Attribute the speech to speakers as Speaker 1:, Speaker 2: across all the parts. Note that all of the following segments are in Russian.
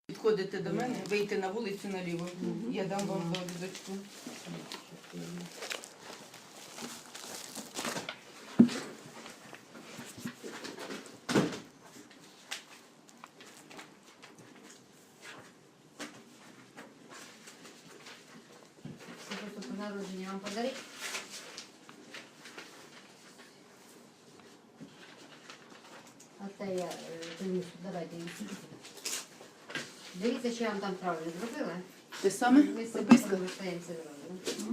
Speaker 1: Підходите до мене, вийти на вулицю наліво. Я дам вам довідочку.
Speaker 2: Свидетельство народження вам подарить? А те я принесу, давайте її сидіти. Дивіться, що я вам там правильно зробила.
Speaker 1: Те саме?
Speaker 2: Ми з цим
Speaker 1: Прописка?
Speaker 2: повертаємося зразу.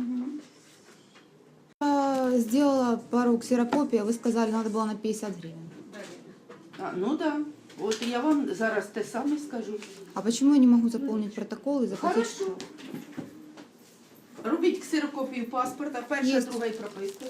Speaker 3: Сделала пару ксерокопий, а вы сказали, надо было на 50 гривен.
Speaker 1: А, ну так. Да. От я вам зараз те саме скажу.
Speaker 3: А почему я не могу заполнить протокол и заплатить?
Speaker 1: Хорошо. Робіть ксерокопію паспорта, перша,
Speaker 3: Є.
Speaker 1: друга і прописка.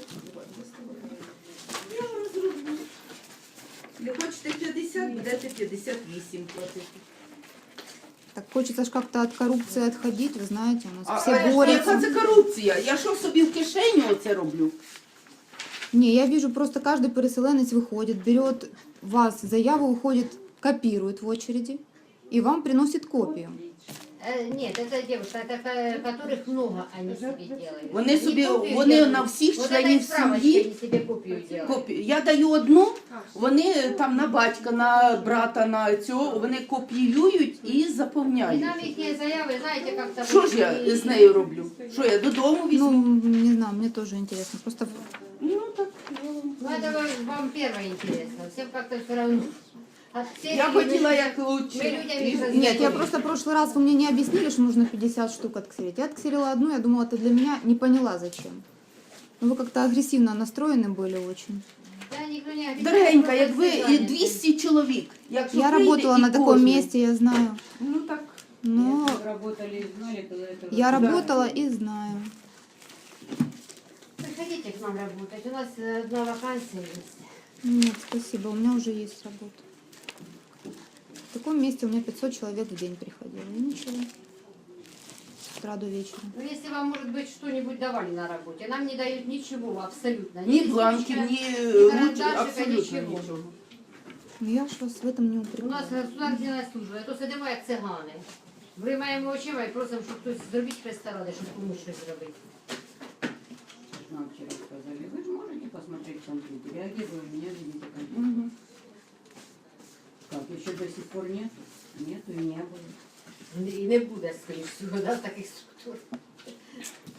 Speaker 1: Я вам зроблю. Не хочете 50, будете 58 платити.
Speaker 3: Так хочется ж как-то от коррупции отходить, вы знаете, у нас
Speaker 1: А
Speaker 3: все
Speaker 1: яка
Speaker 3: борются.
Speaker 1: це корупція? Я що собі в кишеню оце роблю?
Speaker 3: Не, я вижу, просто каждый переселенец выходит, берет вас заяву, уходит, копирует в очереди и вам приносит копию.
Speaker 2: Нет, это девушка, это которых много они себе делают.
Speaker 1: Вони
Speaker 2: Не
Speaker 1: собі,
Speaker 2: копию
Speaker 1: вони
Speaker 2: делают.
Speaker 1: на всіх
Speaker 2: Вот
Speaker 1: членів
Speaker 2: этой справочкой
Speaker 1: сім'ї
Speaker 2: они себе копию делают.
Speaker 1: копію. Я даю одну, вони там на батька, на брата, на цього, вони копіюють і
Speaker 2: И
Speaker 1: заповняють.
Speaker 2: нам их заявы, знаете, как-то...
Speaker 1: Що ж я з нею роблю? Що я додому
Speaker 3: Ну,
Speaker 1: візьму?
Speaker 3: не знаю, мне тоже интересно. Просто
Speaker 1: Ну так.
Speaker 2: Ну, это вам первое интересно. Всем как-то все равно. От всех
Speaker 1: Я
Speaker 2: людей
Speaker 1: хотіла
Speaker 2: мы-
Speaker 1: як
Speaker 2: мы
Speaker 1: лучше.
Speaker 2: людям их
Speaker 3: нет, я
Speaker 2: разделили.
Speaker 3: просто в прошлый раз вы мне не объяснили, что нужно 50 штук отксерить. Я отксерила одну, я думала, это для меня, не поняла зачем. Ну, вы как-то агрессивно настроены были очень.
Speaker 2: Да, никто не объясняет,
Speaker 1: Дорогенька,
Speaker 2: просто
Speaker 1: як ви
Speaker 2: все
Speaker 1: і
Speaker 2: заняты.
Speaker 1: 200 чоловік. Якщо
Speaker 3: Я
Speaker 1: прийде
Speaker 3: работала
Speaker 1: і
Speaker 3: на таком
Speaker 1: кожен.
Speaker 3: месте, я знаю.
Speaker 1: Ну так.
Speaker 3: Но
Speaker 4: Работали и знали, когда это...
Speaker 3: я
Speaker 1: Да.
Speaker 3: работала и знаю.
Speaker 2: Приходите к нам работать. У нас одна вакансия есть.
Speaker 3: Нет, спасибо, у меня уже есть работа. В таком месте у меня 500 человек в день приходило. И ничего. С утра до вечера.
Speaker 2: Ну, если вам, может быть, что-нибудь давали на работе, нам не дают ничего абсолютно.
Speaker 1: Ні бланків,
Speaker 2: листочка,
Speaker 1: ні
Speaker 2: карандашика,
Speaker 1: абсолютно
Speaker 2: нічого.
Speaker 1: нічого.
Speaker 3: Ну, я ж вас в этом не
Speaker 2: У
Speaker 3: упрекаю.
Speaker 2: нас государственна служба, а то сидимо як цигани. Виймаємо очима і просимо, щоб хтось зробіть Христа ради, щоб комусь щось зробити.
Speaker 4: Нам вчера сказали, вы же можете посмотреть компьютер. Я где вы у меня видите компьютер?
Speaker 1: Мгм.
Speaker 4: Как, еще до сих пор нет? Нету и не было.
Speaker 2: І не буде, скоріш всього, да, таких структур.